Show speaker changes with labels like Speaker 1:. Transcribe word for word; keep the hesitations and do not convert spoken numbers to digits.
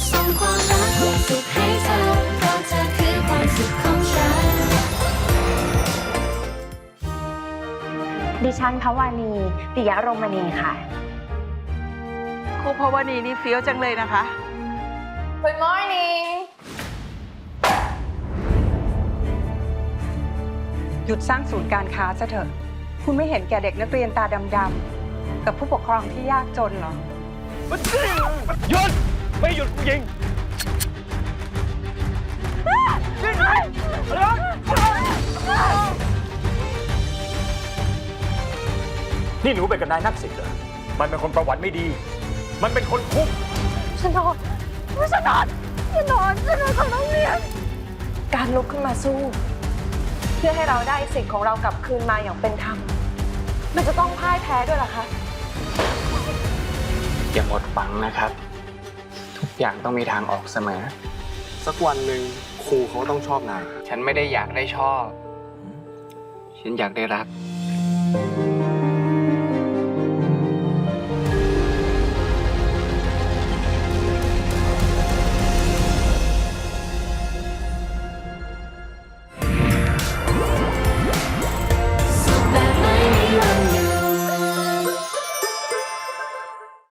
Speaker 1: ส่งความรักความสุขให้เธอเพราะเธอคือความสุขของฉัน
Speaker 2: ดิฉันภวานีปิยะรมณีค่ะ
Speaker 3: ครูภวนีนี่เฟี้ยวจังเลยนะคะ
Speaker 4: Good morning
Speaker 3: หยุดสร้างศูนย์การค้าซะเถอะ คุณไม่เห็นแก่เด็กนักเรียนตาดำๆกับผู้ปกครองที่ยากจนเหรอ
Speaker 5: หยุดไม่หยุดกูยิงนี่หนูเป็นกับนายนักสิทธิ์เหรอมันเป็นคนประวัติไม่ดี มันเป็นคนคุก
Speaker 4: ฉันนอนฉันนอนฉันนอนฉันนอนของโรงเรียน การลุกขึ้นมาสู้ เพื่อให้เราได้สิทธิ์ของเรากลับคืนมาอย่างเป็นธรรม มันจะต้องพ่ายแพ้ด้วยล่ะคะ
Speaker 6: อย่าหมดหวังนะครับ ทุกอย่างต้องมีทางออกเสมอ
Speaker 7: สักวันหนึ่งครูเขาก็ต้องชอบนาย
Speaker 6: ฉันไม่ได้อยากได้ชอบ ฉันอยากได้รัก